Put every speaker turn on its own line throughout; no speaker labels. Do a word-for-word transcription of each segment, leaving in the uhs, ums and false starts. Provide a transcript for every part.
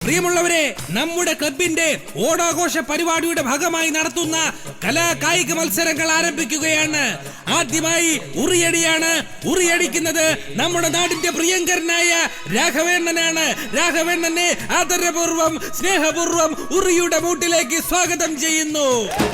പ്രിയമുള്ളവരെ, നമ്മുടെ ക്ലബിന്റെ ഓണാഘോഷ പരിപാടിയുടെ ഭാഗമായി നടത്തുന്ന കലാ കായിക മത്സരങ്ങൾ ആരംഭിക്കുകയാണ്. ആദ്യമായി ഉറിയടിയാണ്. ഉറിയടിക്കുന്നത് നമ്മുടെ നാടിന്റെ പ്രിയങ്കരനായ രാഘവേണ്ണനാണ്. രാഘവേണ്ണനെ ആദരപൂർവം സ്നേഹപൂർവം ഉറിയുടെ മൂട്ടിലേക്ക് സ്വാഗതം ചെയ്യുന്നു.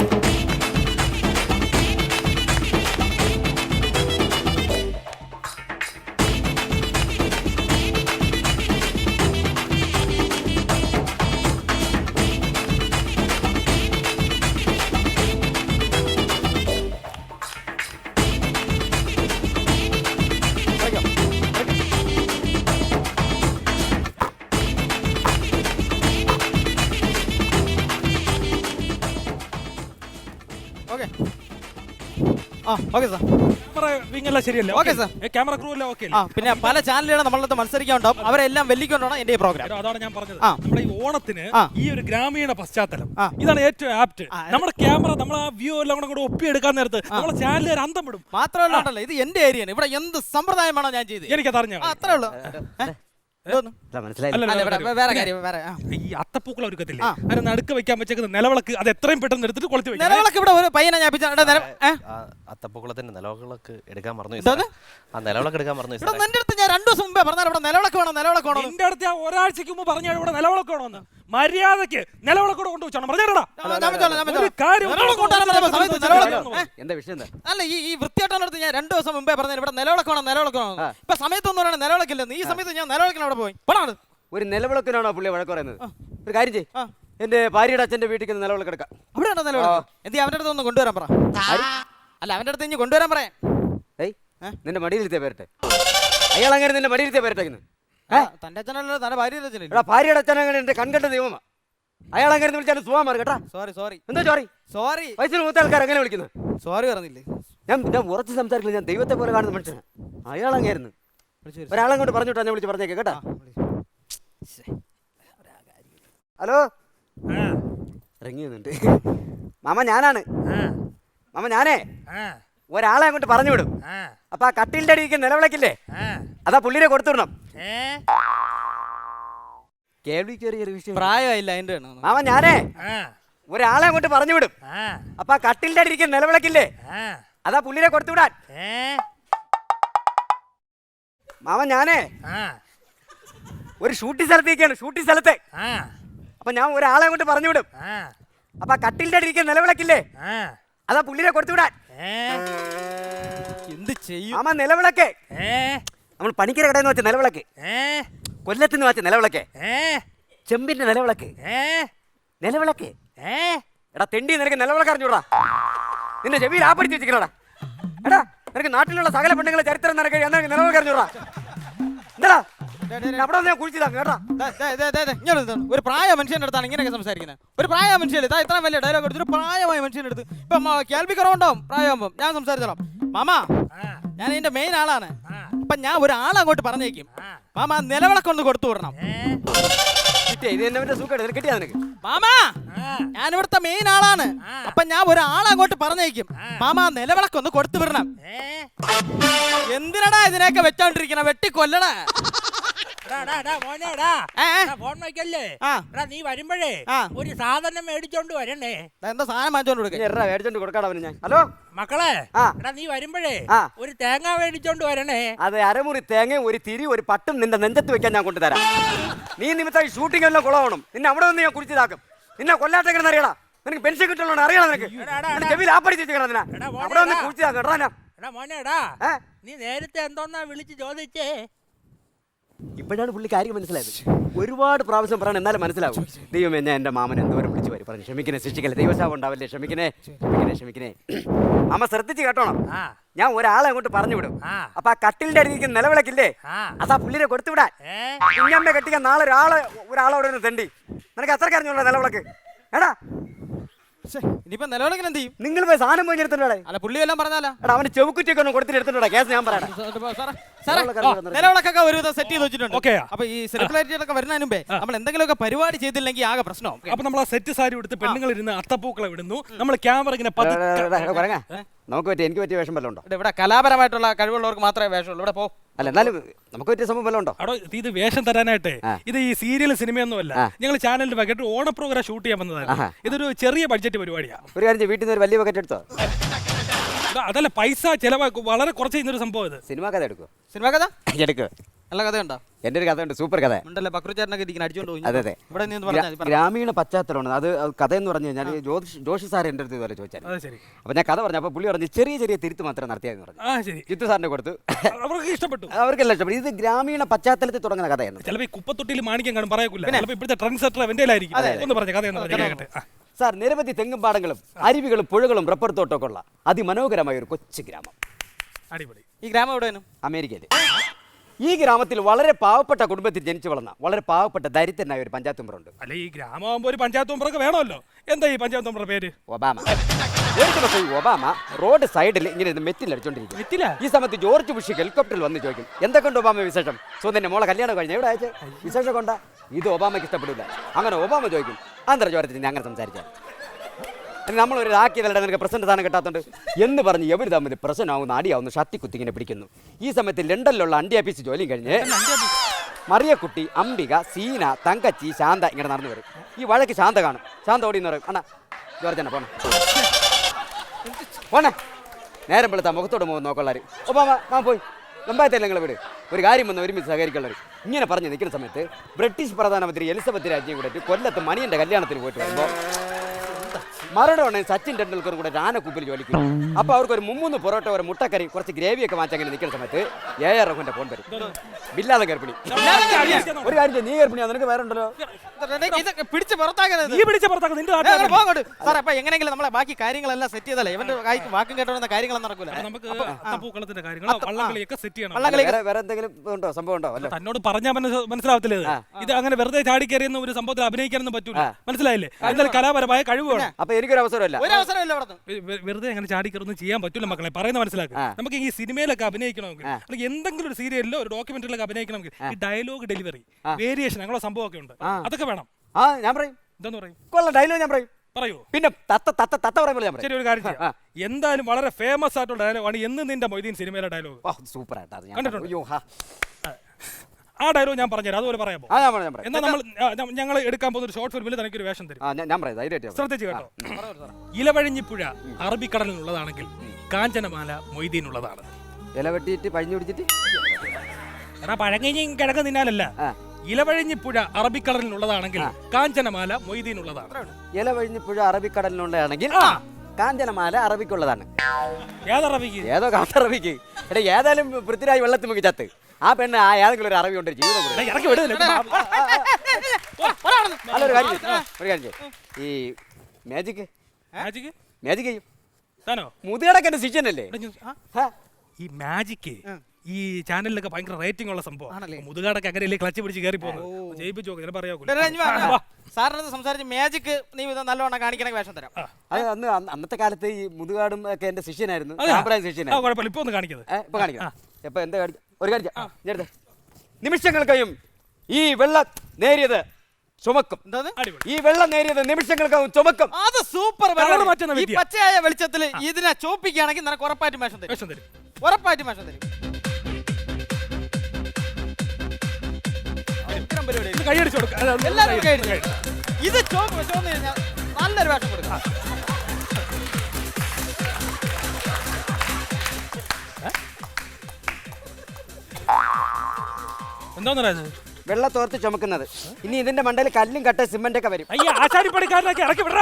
പിന്നെ പല ചാനലുകളും നമ്മളത് മത്സരിക്കാനുണ്ടാവും. അവരെല്ലാം വെല്ലിക്കൊണ്ടാണ് എന്റെ പ്രോഗ്രാം.
അതാണ് ഞാൻ പറഞ്ഞത്. നമ്മുടെ ഈ ഓണത്തിന് ഈ ഒരു ഗ്രാമീണ പശ്ചാത്തലം ഇതാണ് ഏറ്റവും ആപ്റ്റ്. നമ്മുടെ ക്യാമറ നമ്മൾ ആ വ്യൂ എല്ലാം കൂടെ ഒപ്പിയെടുക്കാൻ നേരത്ത് നമ്മളെ ചാനലുകാർ അന്തം വിടും.
മാത്രമല്ല, ഇത് എന്റെ ഏരിയയാണ്. ഇവിടെ എന്ത് സമ്പ്രദായമാണോ ഞാൻ ചെയ്തത്
എനിക്കത് അറിഞ്ഞു.
അത്രേ ഉള്ളൂ.
ഈ അത്തപ്പൂക്കൾ ഒരുക്കത്തില്ലേ, അതിന് നടുക്ക് വെക്കാൻ വെച്ചേക്കുന്ന നിലവിളക്ക് അത് എത്രയും പെട്ടെന്ന് എടുത്തിട്ട് കൊളുത്തി വെക്കും.
നിലവിളക്ക് ഇവിടെ ഒരു പയ്യനെ ഞാൻ
അത്തപ്പൂക്കളത്തിന്റെ നിലവിളക്ക് എടുക്കാൻ മറന്നു. ആ നിലവിളക്ക് എടുക്കാൻ മറന്നു.
എന്റെ അടുത്ത് ഞാൻ രണ്ടു ദിവസം മുമ്പേ പറഞ്ഞാൽ ഇവിടെ നിലവിളക്ക് വേണം, നിലവിളക്ക് വേണം.
എന്റെ അടുത്ത് ഞാൻ ഒരാഴ്ചക്ക് മുമ്പ് പറഞ്ഞ ഇവിടെ നിലവിളക്ക് വേണമെന്ന്. മര്യാദക്ക് നിലവിളക്കൂടെ കൊണ്ടുവച്ചാണ് പറഞ്ഞാടാ.
അല്ല, ഈ വൃത്തിയായിട്ടടുത്ത് ഞാൻ രണ്ടു ദിവസം മുമ്പേ പറഞ്ഞ ഇവിടെ നിലവിളക്ക് വേണം, നിലവിളക്ക് വേണം. ഇപ്പൊ സമയത്തൊന്നും പറയണ നിലവിളക്കില്ലെന്ന്. ഈ സമയത്ത് ഞാൻ നിലവിളക്കിന് അവിടെ പോയി.
ഒരു നിലവിളക്കിനാണോ പുള്ളി വഴക്ക് പറയുന്നത്? ഒരു കാര്യം ചെയ്യ്, എന്റെ ഭാര്യയുടെ അച്ഛന്റെ വീട്ടിൽ നിലവിളക്ക് എടുക്കാം.
അവിടെ ഉണ്ടോ നിലവിളക്ക്? എന്തി അവന്റെ അടുത്ത് ഒന്ന് കൊണ്ടുവരാൻ പറ. അല്ല, അവന്റെ അടുത്ത് ഇനി കൊണ്ടുവരാൻ പറയാം.
ഏയ്, നിന്റെ മടിയിലിരുത്തിയ പേരട്ടെ. അയാൾ അങ്ങനെ നിന്റെ മടിയിലിരുത്തിയ പേരട്ടേക്കുന്നു.
തന്റെ അച്ഛനല്ലോ, തന്റെ ഭാര്യയുടെ അച്ഛനല്ലേ?
എടാ, ഭാര്യയുടെ അച്ഛൻ അങ്ങനെ എന്റെ കൺകെട്ട ദൈവമാ. അയാൾ അങ്ങനെ വിളിച്ചാൽ സുഖം മാറി കേട്ടാ.
Sorry sorry.
എന്താ സോറി?
സോറി.
വയസ്സിന് മൂത്ത ആൾക്കാർ അങ്ങനെ വിളിക്കുന്നത്.
സോറി പറഞ്ഞില്ലേ?
ഞാൻ ഞാൻ ഉറച്ച് സംസാരിക്കില്ല. ഞാൻ ദൈവത്തെ പോലെ കാണുന്ന മനുഷ്യനാ. അയാൾ അങ്ങായിരുന്നു. ഒരാളെ കൊണ്ട് പറഞ്ഞിട്ടാ ഞാൻ വിളിച്ച് പറഞ്ഞേക്കെ കേട്ടാ. ഹലോ, ഇറങ്ങിയുന്നുണ്ട് മാമ. ഞാനാണ് മാമ. ഞാനേ ഒരാളെ അങ്ങോട്ട് പറഞ്ഞു വിടും. അപ്പൊ ആ കട്ടിലിന്റെ അടിക്ക് നിലവിളക്കില്ലേ, അതാ പുള്ളിനെ കൊടുത്തുവിടണം. കേൾവി ചെറിയൊരു വിഷയം.
പ്രായമായില്ല അതിന്റെ
മാമ. ഞാനേ ഒരാളെ അങ്ങോട്ട് പറഞ്ഞു വിടും. അപ്പൊ ആ കട്ടിലിന്റെ അടിക്ക് നിലവിളക്കില്ലേ, അതാ പുള്ളിനെ കൊടുത്തുവിടാൻ. മാമ, ഞാനേ ഒരു ഷൂട്ടിംഗ് സ്ഥലത്തേക്കാണ്. ഷൂട്ടിംഗ് സ്ഥലത്തെ അപ്പൊ ഞാൻ ഒരാളെ അങ്ങോട്ട് പറഞ്ഞു വിടും. അപ്പൊ ആ കട്ടിലിന്റെ അടിക്ക് നിലവിളക്കില്ലേ, അതാ പുള്ളിനെ കൊടുത്തുവിടാൻ.
എന്ത് ചെയ്യും
മാമ? നിലവിളക്ക് നമ്മൾ പണിക്കര കടയിൽ നിന്ന് വെച്ച നിലവിളക്ക്, കൊല്ലത്ത് വെച്ച നിലവിളക്ക്, ചെമ്പിന്റെ നിലവിളക്ക്, നിലവിളക്ക്. എടാ തെണ്ടി, നിനക്ക് നിലവിളക്ക് അറിഞ്ഞൂടാ? നിന്റെ ചെവിയിൽ ആ പഠിച്ച് വെച്ചിക്കണടാ. എടാ, നിനക്ക് നാട്ടിലുള്ള സകല പെണ്ണുങ്ങളെ ചരിത്രം നിനക്ക് നിനക്ക് നിലവിളക്ക് അറിഞ്ഞൂടാ? എന്താ അവിടെ ഞാൻ കുഴിച്ചതാ കേട്ടാ.
ഒരു പ്രായ മനുഷ്യന്റെ അടുത്താണ് ഇങ്ങനെയൊക്കെ സംസാരിക്കുന്നത്. ഒരു പ്രായ മനുഷ്യല്ലേ ഇത്ര വലിയ ഡയലോഗ് എടുത്തൊരു പ്രായമായ മനുഷ്യന്റെ അടുത്ത് ഇപ്പൊ കേൾവി കുറവുണ്ടാവും. പ്രായമാകുമ്പോൾ ഞാൻ സംസാരിച്ചോളാം. മാമാ, ഞാൻ ഇതിന്റെ മെയിൻ ആളാണ്. അപ്പൊ ഞാൻ ഒരാളെ അങ്ങോട്ട് പറഞ്ഞേക്കും. മാമാ, നിലവിളക്കൊന്ന് കൊടുത്തു വിടണം. മാമാ, ഞാൻ ഇവിടുത്തെ മെയിൻ ആളാണ്. അപ്പൊ ഞാൻ ഒരാളെ അങ്ങോട്ട് പറഞ്ഞേക്കും. മാമാ, നിലവിളക്കൊന്ന് കൊടുത്തു വിടണം. എന്തിനടാ ഇതിനെയൊക്കെ വെച്ചോണ്ടിരിക്കണ? വെട്ടിക്കൊല്ലണ.
നീ വരുമ്പോഴേ ഒരു സാധനം മേടിച്ചോണ്ട് വരണേ.
എന്താ സാധനം
മേടിച്ചോണ്ട് കൊടുക്കാടാ ഞാൻ. ഹലോ
മക്കളെ, നീ വരുമ്പോഴേ ഒരു തേങ്ങ മേടിച്ചോണ്ട് വരണേ.
അതെ, അരമുറി തേങ്ങ, ഒരു തിരി, ഒരു പട്ടും നിന്റെ നെഞ്ചത്ത് വെക്കാൻ ഞാൻ കൊണ്ടുതരാം. നീ നിമിത്തം ഷൂട്ടിംഗ് എല്ലാം കുളമാവണം. നിന്നെ അവിടെ നിന്ന് ഞാൻ കുടിച്ചതാക്കും. നിന്നെ കൊല്ലാത്തേക്കെന്ന് അറിയടാ. നിനക്ക് പെൻഷൻ കിട്ടുള്ളൂ അറിയണം. നിനക്ക് ചെവിയിൽ ആ പഠിച്ചിരിക്കണം. അവിടെ വന്ന് കുടിച്ചതാക്കും.
എടാ മോനെടാ, നീ നേരത്തെ എന്തോന്നാ വിളിച്ച് ചോദിച്ചേ?
ഇപ്പോഴാണ് പുള്ളി കാര്യം മനസ്സിലായത്. ഒരുപാട് പ്രാവശ്യം പറയണം, എന്നാലും മനസ്സിലാവും. ദൈവമേ, ഞാൻ എൻ്റെ മാമൻ എന്തോരം വിളിച്ചു വരും പറഞ്ഞു. ക്ഷമിക്കണേ, ശിക്ഷിക്കല്ലേ, ദൈവശാപം ഉണ്ടാവല്ലേ. ക്ഷമിക്കണേ, ക്ഷമിക്കണേ, ക്ഷമിക്കണേ. മാമ ശ്രദ്ധിച്ച് കേട്ടോണം. ഞാൻ ഒരാളെ അങ്ങോട്ട് പറഞ്ഞു വിടും. അപ്പൊ ആ കട്ടിലിന്റെ അടിക്ക് നിലവിളക്കില്ലേ, അതാ പുള്ളിനെ കൊടുത്തുവിടാൻ. കുഞ്ഞമ്മ കെട്ടിക്കാൻ നാളെ ഒരാളെ ഒരാളോട് ഒന്ന് തെണ്ടി. നിനക്ക് അത്രയ്ക്ക് അറിഞ്ഞോളൂ നിലവിളക്ക്. എടാ,
ഇനിയിപ്പോ നിലവിളക്കിന് എന്ത് ചെയ്യും?
നിങ്ങൾ പോയി സാധനം പോയി എടുത്തിട്ടുണ്ടേ.
അല്ല, പുള്ളി എല്ലാം പറഞ്ഞാലോ.
എടാ, അവന് ചെവുക്കുറ്റിയൊക്കെ ഒന്ന് കൊടുത്തിട്ട് എടുത്തിട്ടുണ്ടോ കേസ്? ഞാൻ പറയാം
സാറേ നിലവിളക്കൊക്കെ ഒരു വിധം സെറ്റ് ചെയ്ത് വെച്ചിട്ടുണ്ട്.
ഓക്കെ.
അപ്പൊ ഈ സെലിബ്രിറ്റികളൊക്കെ വരുന്നതിന് മുമ്പേ നമ്മൾ എന്തെങ്കിലുമൊക്കെ പരിപാടി ചെയ്തില്ലെങ്കിൽ ആകെ പ്രശ്നം.
അപ്പൊ നമ്മൾ ആ സെറ്റ് സാരി എടുത്ത് പെണ്ണുങ്ങൾ ഇരുന്ന് അത്തപ്പൂക്കളെ വിടുന്നു, നമ്മൾ ക്യാമറ ഇങ്ങനെ പതുക്കെ.
നമുക്ക് പറ്റിയ എനിക്ക് പറ്റിയ വേഷം വല്ലതും ഉണ്ടോ?
ഇവിടെ കലാപരമായിട്ടുള്ള കഴിവുള്ളവർക്ക് മാത്രമേ വേഷമുള്ളൂ. ഇവിടെ പോ.
അല്ല എന്നാലും നമുക്ക് പറ്റിയ സംഭവം വല്ലതും ഉണ്ടോ?
അവിടെ ഇത് വേഷം തരാനായിട്ട് ഇത് ഈ സീരിയൽ സിനിമയൊന്നുമല്ല, ഞങ്ങൾ ചാനലിൽ വൈകിട്ട് ഓണ പ്രോഗ്രാം ഷൂട്ട് ചെയ്യാൻ വന്നതാണ്. ഇതൊരു ചെറിയ ബഡ്ജറ്റ് പരിപാടിയാണ്.
ഒരു കാര്യം വീട്ടിൽ നിന്ന് ഒരു വലിയ ബക്കറ്റ് എടുത്തോ?
അതല്ല, പൈസ ചെലവാക്കും, വളരെ കുറച്ച് ചെയ്യുന്നൊരു സംഭവം ഇത്.
സിനിമ കഥ എടുക്കോ?
സിനിമ കഥ
എടുക്കോ?
നല്ല കഥയുണ്ടോ?
എൻ്റെ ഒരു കഥയുണ്ട്, സൂപ്പർ കഥ.
ഉണ്ടല്ലേ, ബക്രുചാരനൊക്കെ ഇരിക്കുന്ന അടിച്ചോണ്ട് പോയി.
അതെ അതെ,
ഇവിടെ നീ പറഞ്ഞാൽ
ഗ്രാമീണ പശ്ചാത്തലമാണ് അത്. കഥ എന്ന് പറഞ്ഞു കഴിഞ്ഞാൽ ജോഷി ജോഷി സാർ എൻ്റെ അടുത്ത് ഇതുവരെ ചോദിച്ചാൽ, അപ്പൊ ഞാൻ കഥ പറഞ്ഞു. അപ്പൊ പുള്ളി പറഞ്ഞു ചെറിയ ചെറിയ തിരുത്ത് മാത്രം നടത്തിയെന്ന് പറഞ്ഞു. ജിത്തു സാറിനെ കൊടുത്തു,
അവർക്ക് ഇഷ്ടപ്പെട്ടു,
അവർക്കെല്ലാം ഇഷ്ടപ്പെട്ടു. ഇത് ഗ്രാമീണ പശ്ചാത്തലത്തിൽ തുടങ്ങുന്ന കഥയാണ്.
ചിലപ്പോൾ ഈ കുപ്പത്തൊട്ടിയിൽ മാണിക്യം കാണും പറയൂല, ഇപ്പോഴത്തെ ട്രെൻഡ് സെറ്റർ അവൻ്റെ ആയിരിക്കും. ഒന്ന് പറഞ്ഞ കഥ
സാർ, നിരവധി തെങ്ങും പാടങ്ങളും അരുവികളും പുഴകളും റബ്ബർ തോട്ടമൊക്കെ ഉള്ള അതിമനോഹരമായ ഒരു കൊച്ചു ഗ്രാമം.
അടിപൊളി.
ഈ ഗ്രാമം എവിടെയാണ്?
അമേരിക്കയിൽ. ഈ ഗ്രാമത്തിൽ വളരെ പാവപ്പെട്ട കുടുംബത്തിൽ ജനിച്ചു വളർന്ന വളരെ പാവപ്പെട്ട ദരിദ്രനായ ഒരു പഞ്ചായത്ത് മെമ്പറുണ്ട്.
അല്ല, ഈ ഗ്രാമമാകുമ്പോൾ ഒരു പഞ്ചായത്ത് മെമ്പറൊക്കെ വേണമല്ലോ. എന്താ ഈ പഞ്ചായത്ത് മെമ്പറുടെ പേര്?
ഒബാമ. ഒരു ദിവസം ഈ ഒബാമ റോഡ് സൈഡിൽ ഇങ്ങനെ മെറ്റിൽ അടിച്ചോണ്ടിരിക്കും. ഈ സമയത്ത് ജോർജ് ബുഷ് ഹെലികോപ്റ്ററിൽ വന്ന് ചോദിക്കും, എന്തൊക്കെയുണ്ട് ഒബാമ വിശേഷം? സോ നിന്റെ മോളെ കല്യാണം കഴിഞ്ഞ എവിടെ അയച്ചു വിശേഷം കൊണ്ടാ? ഇത് ഒബാമയ്ക്ക് ഇഷ്ടപ്പെടില്ല. അങ്ങനെ ഒബാമ ചോദിക്കും, ആന്തര ചോരത്തിൽ ഞാൻ അങ്ങനെ സംസാരിക്കാം, നമ്മളൊരു ആക്കിയതല്ല നിനക്ക് പ്രസന്റ് സാധനം കിട്ടാത്തതുണ്ട് എന്ന് പറഞ്ഞ് എവർ തമ്മിൽ പ്രശ്നമാവുന്ന അടിയാവുന്ന ഷത്തി കുത്തിങ്ങനെ പിടിക്കുന്നു. ഈ സമയത്ത് ലണ്ടനിലുള്ള അണ്ടി ആഫീസ് ജോലിയും കഴിഞ്ഞ് മറിയക്കുട്ടി, അംബിക, സീന, തങ്കച്ചി, ശാന്ത ഇങ്ങനെ നടന്നു വരും. ഈ വഴക്ക് ശാന്ത കാണും. ശാന്ത ഓടിയെന്ന് പറയും, അണ്ണാ ജോർജന പോണേ പോണേ. നേരം വെളുത്താ മുഖത്തോട് പോകുന്ന നോക്കൊള്ളാർ. ഒബാമ ഞാൻ പോയി നമ്പായത്തല്ല നിങ്ങൾ വീട്, ഒരു കാര്യം വന്ന് ഒരുമിച്ച് സഹകരിക്കുള്ളവർ ഇങ്ങനെ പറഞ്ഞ് നിൽക്കുന്ന സമയത്ത് ബ്രിട്ടീഷ് പ്രധാനമന്ത്രി എലിസബത്ത് രാജ്യം കൂടെ കൊല്ലത്ത് മണിയൻ്റെ കല്യാണത്തിന് പോയിട്ട് വരുമ്പോൾ മറുപടി സച്ചിൻ ടെണ്ടുൽക്കർ കൂടെ രാനക്കൂപ്പിൽ ജോലിക്കും. അപ്പൊ അവർക്ക് ഒരു മുമ്മൂന്ന് പൊറോട്ട, ഒരു മുട്ടക്കറി, കുറച്ച് ഗ്രേവിയൊക്കെ വാങ്ങിച്ച് അങ്ങനെ നിൽക്കുന്ന സമയത്ത് എ ആർ റഹ്മാന്റെ ഫോൺ വരും. ബില്ലാതെ ഗർഭിണി. ഒരു കാര്യം, നീ ഗർഭിണിയാ, നിനക്ക് വേറെ ഉണ്ടല്ലോ.
പിടിച്ച് പുറത്താക്കരുത്. എങ്ങനെയെങ്കിലും നമ്മളെ ബാക്കി കാര്യങ്ങളെല്ലാം സെറ്റ് ചെയ്തല്ലേ ഇവന്റെ വാക്കും കേട്ടോന്ന കാര്യങ്ങളൊന്നും നടക്കൂല.
നമുക്ക് അത്തപ്പൂക്കളത്തിന്റെ കാര്യങ്ങളോ വള്ളംകളിയൊക്കെ സെറ്റ് ചെയ്യണം.
വേറെ എന്തെങ്കിലും ഉണ്ടോ, സംഭവം ഉണ്ടോ? അല്ല,
തന്നോട് പറഞ്ഞാൽ മനസ്സിലാവത്തില്ല. ഇത് അങ്ങനെ വെറുതെ ചാടി കയറിയെന്ന് ഒരു സംഭവത്തിൽ അഭിനയിക്കാനൊന്നും പറ്റൂല, മനസ്സിലായില്ലേ? എന്തായാലും കലാപരമായ കഴിവ് വേണം.
അപ്പൊ എനിക്കൊരു അവസരമല്ല,
വെറുതെ അങ്ങനെ ചാടി കയറുന്നു ചെയ്യാൻ പറ്റൂല മക്കളെ, പറയുന്നത് മനസ്സിലാക്കുക. നമുക്ക് ഈ സിനിമയിലൊക്കെ അഭിനയിക്കണമെങ്കിൽ അല്ലെങ്കിൽ എന്തെങ്കിലും ഒരു സീരിയലിലോ ഒരു ഡോക്യുമെന്ററിലൊക്കെ അഭിനയിക്കണമെങ്കിൽ ഈ ഡയലോഗ് ഡെലിവറി, വേരിയേഷൻ, അങ്ങനെ സംഭവമൊക്കെ ഉണ്ട്. അതൊക്കെ വേണം.
ആ ഞാൻ പറയും.
എന്താന്ന് പറയും?
കൊള്ളാം, ഡയലോഗ് ഞാൻ പറയും.
പറയൂ.
പിന്നെ തത്ത തത്ത തത്ത പറയുമ്പോൾ ഞാൻ
ശരി, ഒരു കാര്യം ചെയ്യാം. എന്തായാലും വളരെ ഫേമസ് ആയിട്ടുള്ള ഡയലോഗാണ് എന്ന് നിന്റെ മൊയ്തീൻ സിനിമയിലെ ഡയലോഗ്.
സൂപ്പർ ആയിട്ടാണ്
കണ്ടിട്ടുണ്ട്. ആ ഡയലോഗ് ഞാൻ പറഞ്ഞുതരാം, അതുപോലെ പറയാമോ? എന്നാൽ നമ്മൾ ഞങ്ങൾ എടുക്കാൻ പോകുന്ന ഒരു ഷോർട്ട് ഫിലിമിൽ തനിക്ക് ഒരു വേഷം തരും. ശ്രദ്ധിച്ചു കേട്ടോ. ഇലവഴിഞ്ഞിപ്പുഴ അറബിക്കടലിനുള്ളതാണെങ്കിൽ കാഞ്ചനമാല മൊയ്തീനുള്ളതാണ്.
ഇല വെട്ടിയിട്ട് പഴിഞ്ഞു പിടിച്ചിട്ട്
എടാ പഴങ്ങയും കിഴങ്ങ് തിന്നാലല്ല. ഇലവഴിഞ്ഞിപ്പുഴ അറബിക്കടലിനുള്ളതാണെങ്കിൽ കാഞ്ചനമാല മൊയ്തീനുള്ളതാണ്.
ഇലവഴിഞ്ഞിപ്പുഴ അറബിക്കടലിനുള്ളതാണെങ്കിൽ കാഞ്ചനമാല അറബിക്കുള്ളതാണ്.
ഏതറബിക്ക്?
ഏതോ കാട്ടറബിക്ക്. എടാ ഏതായാലും പൃഥ്വിരാജ് വെള്ളത്തിൽ മുക്കി ചത്ത്. ആ പെണ്ണ് ആ ഏതെങ്കിലും ഒരു അറബി കൊണ്ട് ജീവിതം. അല്ല ഒരു കാര്യം ഒരു കാര്യം ഈ മാജിക്
മാജിക്
മാജിക് ചെയ്യും.
താനോ?
മുതിയടക്കന്റെ ശിഷ്യനല്ലേ
ഈ മാജിക്? ഈ ചാനലിലൊക്കെ ഭയങ്കര റേറ്റിംഗ് ഉള്ള സംഭവം. മുതുകാടൊക്കെ അങ്ങനെ ക്ലച്ച് പിടിച്ച് കയറി പോകുന്നു. ജയിപ്പിച്ചു നോക്കി പറയാ.
സാറിനടുത്ത് സംസാരിച്ച് മാജിക് നീ നല്ലോണം കാണിക്കണമെങ്കിൽ വേഷം തരാം.
അത് അന്ന് അന്നത്തെ കാലത്ത് ഈ മുതുകാടും ഒക്കെ എന്റെ ശിഷ്യനായിരുന്നു.
കുഴപ്പമില്ല, ഇപ്പൊ ഒന്ന് കാണിക്കുന്നത്.
ഇപ്പൊ കാണിക്കാം. ഇപ്പൊ എന്താ കാണിക്കാം? ഒരു കാണിക്കാം. നിമിഷങ്ങൾക്കയും ഈ വെള്ളം നേരിയത് ചുമക്കും. ഈ വെള്ളം നേരിയത് നിമിഷങ്ങൾക്കകം ചുമക്കും.
അത് സൂപ്പർ. പച്ചയായ വെളിച്ചത്തിൽ ഇതിനെ ചോപ്പിക്കുകയാണെങ്കിൽ നിനക്ക് ഉറപ്പായിട്ടും വേഷം തരും. ഉറപ്പായിട്ടും വേഷം തരും.
കൈയടിച്ചു കൊടുക്കാം.
എല്ലാവരും കൈയടിച്ചു. ഇത് ചോപ്പ് ചോന്ന് കഴിഞ്ഞാൽ നല്ലൊരു വേഷം കൊടുക്കാം.
എന്താ
വെള്ളത്തോർത്ത് ചുമക്കുന്നത്. ഇനി ഇതിന്റെ മണ്ടയിൽ കല്ലും കട്ട സിമന്റ് ഒക്കെ വരും.
ആശാരിപ്പണിക്കാരനൊക്കെ ഇറക്കി വിടാ.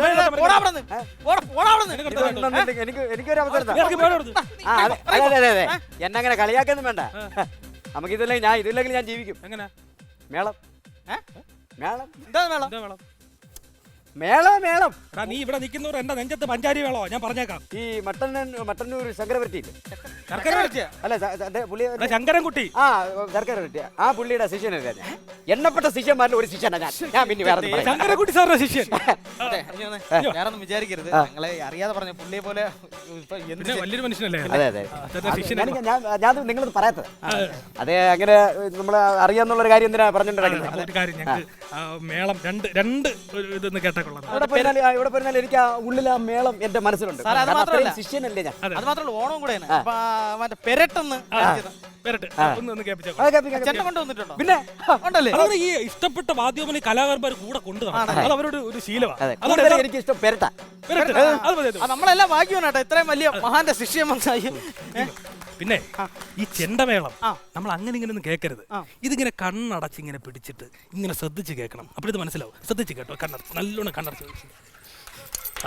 എനിക്ക് എനിക്കൊരു അവസരം അതെ അതെ എന്നങ്ങനെ കളിയാക്കൊന്നും വേണ്ട. നമുക്ക് ഇതില്ലെങ്കിൽ ഞാൻ ഇതില്ലെങ്കിൽ ഞാൻ ജീവിക്കും.
എങ്ങനെ?
മേളം മേളം
എന്താ മേളം?
മേളം
മേളം മേളം
നീ ഇവിടെ നിൽക്കുന്നവർ എന്റെ നെഞ്ചത്ത് പഞ്ചാരി വേളോ ഞാൻ പറഞ്ഞേക്കാം.
ഈ മട്ടൻ മട്ടന്നൂർ ശങ്കരവരട്ടിയില്ലേ?
അല്ല ശങ്കരൻകുട്ടി.
ആ ശങ്കരവരട്ടി ആ പുള്ളിയുടെ ശിഷ്യനല്ലേ ഞാൻ. എണ്ണപ്പെട്ട ശിഷ്യന്മാരിൽ ഒരു ശിഷ്യനാ ഞാൻ ഞാൻ പിന്നെ വേറെ ഒന്നും പറയാം.
ശങ്കരക്കുട്ടി സാറിന്റെ ശിഷ്യൻ
അതെ, ഇനി ഒന്ന് വേറൊന്നും വിചാരിക്കരുത്. ഞങ്ങളെ അറിയാതെ പറഞ്ഞ പുള്ളിയെ പോലെ ഇപ്പൊ എന്ത്
പിന്നെ വലിയൊരു മനുഷ്യനല്ലേ
അതെ അതെ
അദ്ദേഹത്തെ ശിഷ്യൻ
ഞാൻ ഞാൻ ഞാൻ നിങ്ങളത് പറയാത്തത് അതെ അങ്ങനെ നമ്മൾ അറിയാന്നുള്ള ഒരു കാര്യം എന്തിനാ പറഞ്ഞിട്ടുണ്ടാക്കുന്നത്
ഒരു കാര്യം ഞങ്ങൾക്ക് ആ, മേളം രണ്ട് രണ്ട് ഒരു ഇതൊന്ന് കേട്ടാ കൊള്ളാം.
ഇവിടെ പോയിരുന്നാല് ആ, ഇവിടെ പോയിരുന്നാല് എനിക്ക് ആ ഉള്ളിൽ ആ മേളം എന്റെ മനസ്സിലുണ്ട്.
സാറേ, അത്
കാരണം
മാത്രമല്ല.
അത്രയും ശിഷ്യനല്ലേ ഞാൻ.
അത് മാത്രമല്ല ഓണം കൂടെയാണ്. അപ്പൊ ആ മറ്റേ പെരട്ടെന്ന്
വരട്ടെ ഒന്ന് ഒന്ന് കേൾപ്പിച്ചാ
ആ, കേൾപ്പി, കേൾപ്പി.
ചെണ്ട കൊണ്ട് വന്നിട്ടുണ്ടോ?
പിന്നെ
ഉണ്ടല്ലേ?
അതാണ് ഈ ഇഷ്ടപ്പെട്ട വാദ്യോപനി കലാകാരന്മാർ കൂടെ കൊണ്ടു നടക്കണം. അത് അവരുടെ ഒരു ശീലമാണ്.
അതെ കൂടുതൽ എനിക്ക് ഇഷ്ടം പെരട്ട.
വരട്ടെ. അത് മതി, അത്
ആ, നമ്മളെല്ലാം ഭാഗ്യവാണ് കേട്ടോ, ഇത്രയും വലിയ മഹാന്റെ ശിഷ്യം മനസ്സിലായി.
മതി. പിന്നെ ഈ ചെണ്ടമേളം നമ്മൾ അങ്ങനെ ഇങ്ങനെ ഒന്നും കേൾക്കരുത്. ഇതിങ്ങനെ കണ്ണടച്ച് ഇങ്ങനെ പിടിച്ചിട്ട് ഇങ്ങനെ ശ്രദ്ധിച്ച് കേൾക്കണം. അപ്പോൾ ഇത് മനസ്സിലാവും. ശ്രദ്ധിച്ച് കേട്ടോ, കണ്ണടച്ച് നല്ലോണം കണ്ണടച്ച്. ആ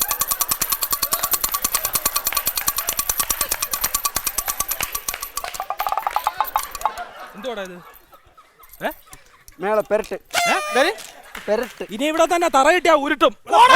എന്തുവാടാ ഇത്? ഏ
മേള പെരട്ട്
ഏ? ഇതാര്?
പെരട്ട്.
ഇനി ഇവിടെ തന്നെ തറയിട്ടാ ഉരുട്ടും.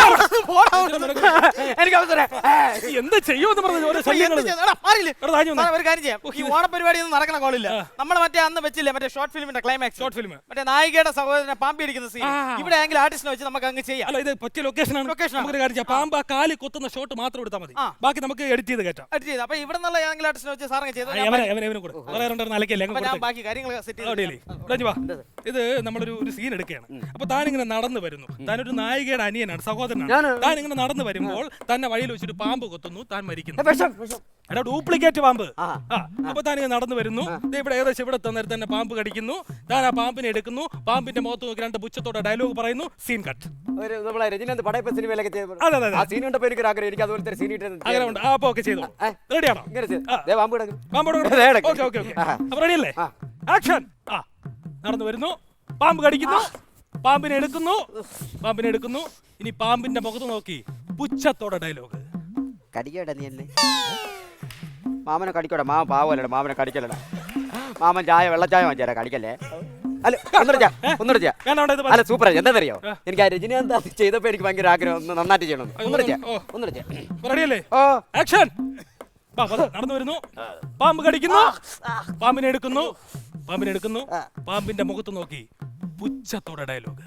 എനിക്ക് അവസരം.
എന്ത് ചെയ്യുമെന്ന് പറഞ്ഞു ഓരോ
എന്ത്
ശല്യങ്ങൾ.
ചെയ്യും? എടാ, മാറിയില്ലേ?
എടാ, താഴെ വന്നേ.
സാറേ, ഒരു കാര്യം ചെയ്യാം. ഈ ഓണപരിപാടി ഒന്നും നടക്കണ കോളില്ല. നമ്മൾ മറ്റേ അന്ന് വെച്ചില്ലേ മറ്റേ ഷോർട്ട് ഫിലിമിന്റെ ക്ലൈമാക്സ്,
ഷോർട്ട് ഫിലിം.
മറ്റേ നായികയുടെ സഹോദരനെ പാമ്പി അടിക്കുന്ന സീൻ ഇവിടെ ആണെങ്കിൽ ആർട്ടിസ്റ്റിനെ വെച്ച് നമുക്ക് അങ്ങ് ചെയ്യാം.
അല്ല, ഇത് പറ്റിയ ലൊക്കേഷനാണ്.
Location ആണ്.
നമുക്കൊരു കാര്യം ചെയ്യാം. പാമ്പ് ആ കാലി കൊത്തുന്ന ഷോട്ട് മാത്രം എടുത്താൽ മതി.
ആ.
ബാക്കി നമുക്ക് എഡിറ്റ് ചെയ്ത് കയറ്റാം.
അടിച്ച് ചെയ്ത് അപ്പൊ ഇവിടെ നിന്നുള്ള ഏതെങ്കിലും ആർട്ടിസ്റ്റിനെ വെച്ച് സാറങ്ങ് ചെയ്തു.
ആ, എവനെ എവനെ എവനെ കൂടെ വേറെ രണ്ടെണ്ണം അലക്കല്ലേ അങ്ങ്
അപ്പൊ ഞാൻ
കൊടുത്തേക്ക്.
ബാക്കി കാര്യങ്ങൾ സെറ്റ് ചെയ്ത്
അവിടെയല്ലേ? ഇവിടെ ഇഞ്ഞ് വാ. ഇത് നമ്മളൊരു ഒരു സീൻ എടുക്കുകയാണ്. അപ്പൊ താൻ ഇങ്ങനെ നടന്നു വരുന്നു. താനൊരു നായികയുടെ അനിയനാണ്, സഹോദരനാണ്. താൻ ഇങ്ങനെ നടന്നു വരുമ്പോൾ തന്നെ വഴിയിൽ വെച്ചിട്ട് പാമ്പ് കൊത്തുന്നു, താൻ മരിക്കുന്നു.
വിഷം, വിഷം.
എടാ, ഡ്യൂപ്ലിക്കേറ്റ് പാമ്പ്.
ആ.
ആ, അപ്പൊ താൻ ഇങ്ങനെ നടന്നു വരുന്നു. ദേ ഇവിടെ ഏകദേശം ഇവിടെ തന്നേരം തന്നെ പാമ്പ് കടിക്കുന്നു. താൻ ആ പാമ്പിനെ എടുക്കുന്നു. പാമ്പിന്റെ മുഖത്ത് നോക്കി രണ്ട് പുച്ഛത്തോടെ ഡയലോഗ് പറയുന്നു. Scene cut.
ഒരു നമ്മളെ രജനീകാന്ത് പടയപ്പ സിനിമയിലൊക്കെ ചെയ്ത-
അതെ, അതെ, അതെ.
ആ സീൻ കണ്ടപ്പോ എനിക്ക് ഒരു ആഗ്രഹം എനിക്ക് അതുപോലത്തെ ഒരു സീൻ
അങ്ങനെ ഉണ്ട്. ആ, അപ്പൊ ഓക്കെ ചെയ്തോ.
ഏ?
റെഡിയാണോ?
ഇങ്ങനെ ചെയ്ത്.
ആ.
ദേ പാമ്പ് കിടക്കുന്നു.
പാമ്പോട്
ദേ കിടക്കുന്നു.
Okay okay okay.
ആ.
അപ്പൊ റെഡിയല്ലേ?
ആ.
ആക്ഷൻ. ആ, നടന്നു വരുന്നു. പാമ്പ് കടിക്കുന്നു. പാമ്പിനെ എടുക്കുന്നു. പാമ്പിനെ എടുക്കുന്നു. ഇനി പാമ്പിന്റെ മുഖത്ത് നോക്കി പുച്ഛത്തോടെ ഡയലോഗ്.
കടിക്കോടാ നീ എന്നെ മാമനെ കടിക്കോടാ. മാമൻ പാവല്ലടാ, മാമനെ കടിക്കല്ലടാ. മാമൻ ചായ വെള്ളച്ചായ വാങ്ങിച്ചാ കടിക്കല്ലേ. അല്ല ഒന്നിടിച്ചാ ഒന്നിടിച്ചാ
വേണ്ട, വേണ്ട, ഇത്
അല്ല
മതി.
സൂപ്പർ. എന്താണെന്നറിയോ, എനിക്ക് ആ രജനീകാന്ത് അത് ചെയ്തപ്പോ എനിക്ക് ഭയങ്കര ആഗ്രഹം ഒന്ന് നന്നായിട്ട് ചെയ്യണം. ഒന്നിടിച്ചാ
ഓ.
ഒന്നിടിച്ചാ
അപ്പൊ റെഡിയല്ലേ?
ഓ
ആക്ഷൻ. വാ, വാ, നടന്നു വരുന്നു. പാമ്പ് കടിക്കുന്നു. പാമ്പിനെ എടുക്കുന്നു. പാമ്പിനെ എടുക്കുന്നു. പാമ്പിന്റെ മുഖത്ത് നോക്കി പുച്ഛത്തോടെ ഡയലോഗ്.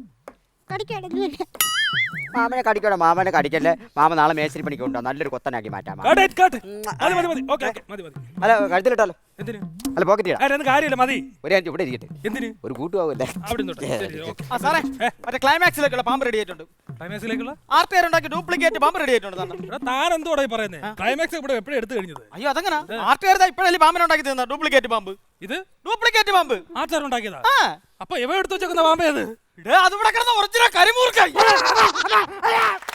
മാമനെ കടിക്കോടാ, മാമനെ കടിക്കല്ലേ. മാമ നാളെ മേശരി പണിക്ക് കൊണ്ടുപോകാം, നല്ലൊരു കൊത്തനാക്കി മാറ്റാം. മാമ.
Cut, cut. മതി, മതി, മതി. ഓക്കെ, ഓക്കെ, മതി, മതി.
അല്ല കഴുത്തിലിട്ടാലോ.
എന്തിന്?
അല്ല പോക്കറ്റ് ഇടാം.
അതൊന്നും കാര്യമില്ല, മതി.
ഒരു അഞ്ച് ഇവിടെ ഇരിക്കട്ടെ,
എന്തിന്?
ഒരു കൂട്ടുപോകല്ലേ.
അവിടെ നിന്നോട്ടെ. ശരി, ഓക്കെ.
ആ സാറേ, മറ്റേ ക്ലൈമാക്സിലേക്കുള്ള പാമ്പ് റെഡി ആയിട്ടുണ്ട്.
ക്ലൈമാക്സിലേക്കുള്ള
ആർ ടി ആർ ഉണ്ടാക്കി ഡ്യൂപ്ലിക്കേറ്റ് പാമ്പ് റെഡി ആയിട്ടുണ്ട് സാറിന്.
എടാ, താൻ എന്തോടാ ഈ പറയുന്നത്? ക്ലൈമാക്സ് ഇവിടെ എപ്പോഴും എടുത്തു കഴിഞ്ഞത്.
അയ്യോ അതെങ്ങനെ? ആർ ടി ആർ ഇപ്പോഴല്ലേ പാമ്പിനെ ഉണ്ടാക്കി തന്ന ഡ്യൂപ്ലിക്കേറ്റ് പാമ്പ്.
ഇത്
ഡ്യൂപ്ലിക്കേറ്റ് പാമ്പ്
ആച്ചാരം ഉണ്ടാക്കിയതാ.
ആ
അപ്പൊ ഇവ എടുത്തു വെച്ചേക്കുന്ന പാമ്പേത്?
അത് ഇവിടെ കിടന്ന ഒറിജിനൽ കരിമൂർക്കായി.